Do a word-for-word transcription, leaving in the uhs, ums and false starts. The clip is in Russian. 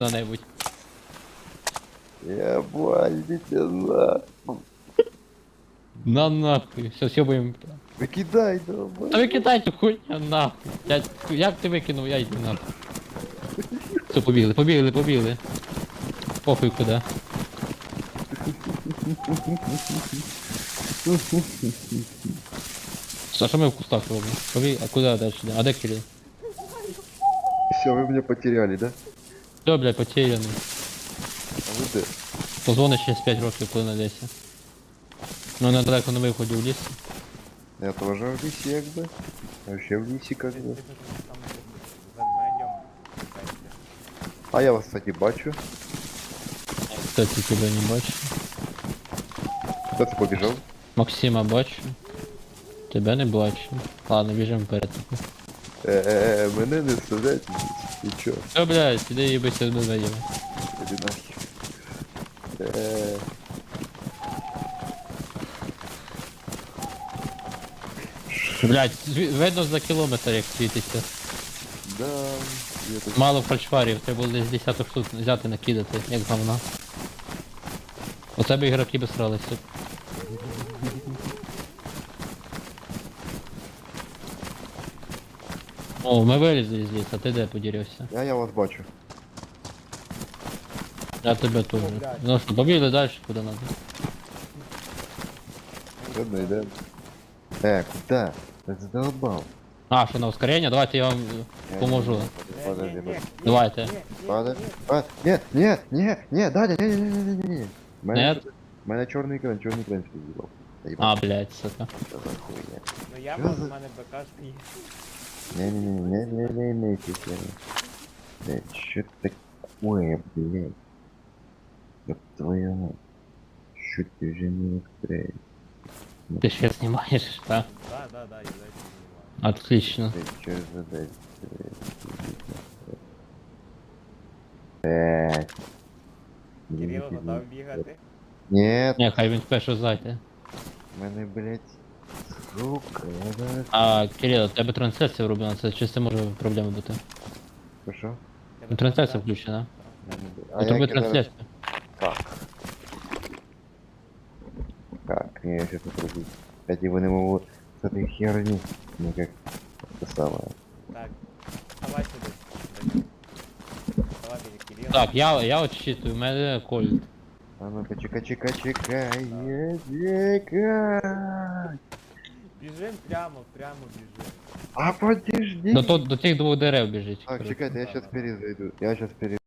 куда-нибудь. Я идите на. На нахуй, все, съебаем. Викидай, Та давай. викидай цю хуйню нахуй. Я, як ти викинув, я йду нахуй. Все, побігли, побігли, побігли. Похуй куди. А що ми в кустах робимо? Побіг, а куди далі? А де Кирил? Все, вы меня потеряли, да? Все, блядь, потеряний. А вы где? Позвониш через п'ять років, коли знайдеться. Ну, недалеко на виході в ліс. Я тоже в лисе, как бы. Вообще в лисе, как бы. А я вас, кстати, бачу. Кстати, тебе не бачу. Куда ты побежал? Максима бачу. Тебе не бачу. Ладно, біжимо вперед. Э-э-э, мене не вставляйте. И чё? Все, блядь, іди їбися з медведями. Иди нахер. Э-э. Блядь, зві- видно за кілометр як світиться. Да, я тут... Мало фальшфарів, треба було десь десяток штук взяти накидати, як говна. У тебе ігроки би сралися. О, ми вилізли з лісу, а ти де подірився? Я, я вас бачу. Я тебе теж. Ну що, побігли далі, куди надо. Ладно, идем. Э, куда? Ты задолбал. А, що на ускорення? Давайте я вам е, Я поможу. не- Подожди, подожди. Давайте. Подожди. А, нет, нет, нет, нет, Даня, не, не, не, не, не, не. Нет? У мене чорний екран, чорний екран сказал. А, блядь, сука. Что за хуйня? Ну я Що мав, за- в мене БКшка є. Не, не, не, не, не, не, не, не, Блядь, что такое, блядь? Ёб твою мать. Что ты уже не устраиваешь? Ти ще знімаєш, так? Да, да, да, я дайте знімаю. Отлично. Ты чё за дальше? Блядь. Кирило готов бігати? Нет, Не, хай він спершу зайде. мене, блядь, сука, я зараз... А, Кирило, у тебе трансляція вроблена, це чи це може проблема бути? Що? Ну, трансляція включена. А У тебе як я зараз- трансляція. Как? Как? Я сейчас попробую. Кстати, его не могу с этой херни никак это самое. Так, давай сюди. Даню. Давай біля Кирила. Так, я, я отчитую, у мене кольт. А ну-ка, чека, чека, чекай, чекай. Біжим прямо, прямо біжим. А подожди. До, то- до тих двох дерев біжить. Так, коротше. чекайте, я сейчас перезайду. Я сейчас перезайду.